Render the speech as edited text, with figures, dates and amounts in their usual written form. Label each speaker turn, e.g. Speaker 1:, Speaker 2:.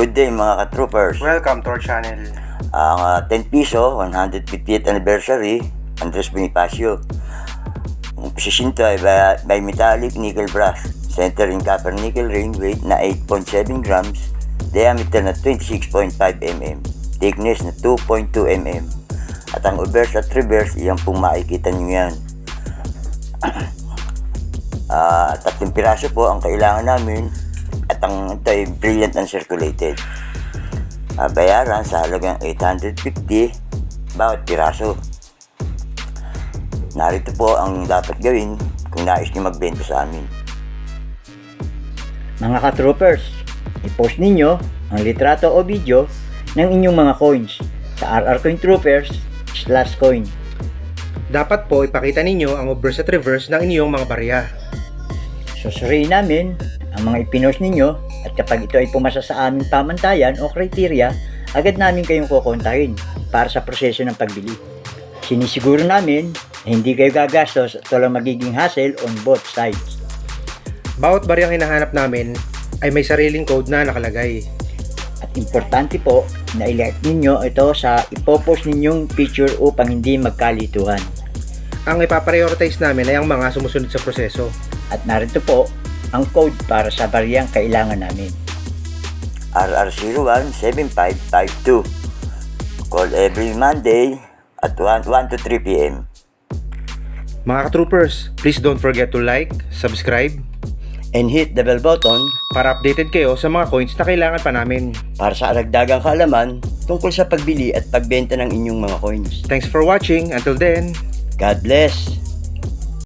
Speaker 1: Good day mga ka-troopers.
Speaker 2: Welcome to our channel.
Speaker 1: Ang 10 piso, 150th anniversary, Andres Bonifacio. Ang posisinto ay by metallic nickel brass. Center in copper nickel ring, weight na 8.7 grams, diameter na 26.5 mm, thickness na 2.2 mm. At ang obverse at reverse, iyan pong makikita nyo yan. Tatlong piraso po ang kailangan namin. At ang ito ay brilliant and circulated. Bayaran sa halagang 850 bawat piraso. Narito po ang dapat gawin kung nais nyo magbenta sa amin.
Speaker 3: Mga ka-troopers, i-post ninyo ang litrato o video ng inyong mga coins sa rrcointroopers/coin.
Speaker 2: Dapat po ipakita ninyo ang obverse at reverse ng inyong mga barya.
Speaker 3: Susuriin namin ang mga ipinost ninyo at kapag ito ay pumasa sa aming pamantayan o kriteriya, agad namin kayong kukontahin para sa proseso ng pagbili. Sinisiguro namin na hindi kayo gagastos at walang magiging hassle on both sides.
Speaker 2: Bawat baryang hinahanap namin ay may sariling code na nakalagay.
Speaker 3: At importante po na i-like ninyo ito sa ipopost ninyong picture upang hindi magkalituhan.
Speaker 2: Ang ipaprioritize namin ay ang mga sumusunod sa proseso.
Speaker 3: At narito po ang code para sa baryang kailangan namin.
Speaker 1: RR017552. Call every Monday at 1 to 3 p.m.
Speaker 2: Mga ka-troopers, please don't forget to like, subscribe,
Speaker 3: And hit the bell button
Speaker 2: para updated kayo sa mga coins na kailangan pa namin.
Speaker 3: para sa aragdagang kaalaman tungkol sa pagbili at pagbenta ng inyong mga coins.
Speaker 2: Thanks for watching. Until then,
Speaker 3: God bless!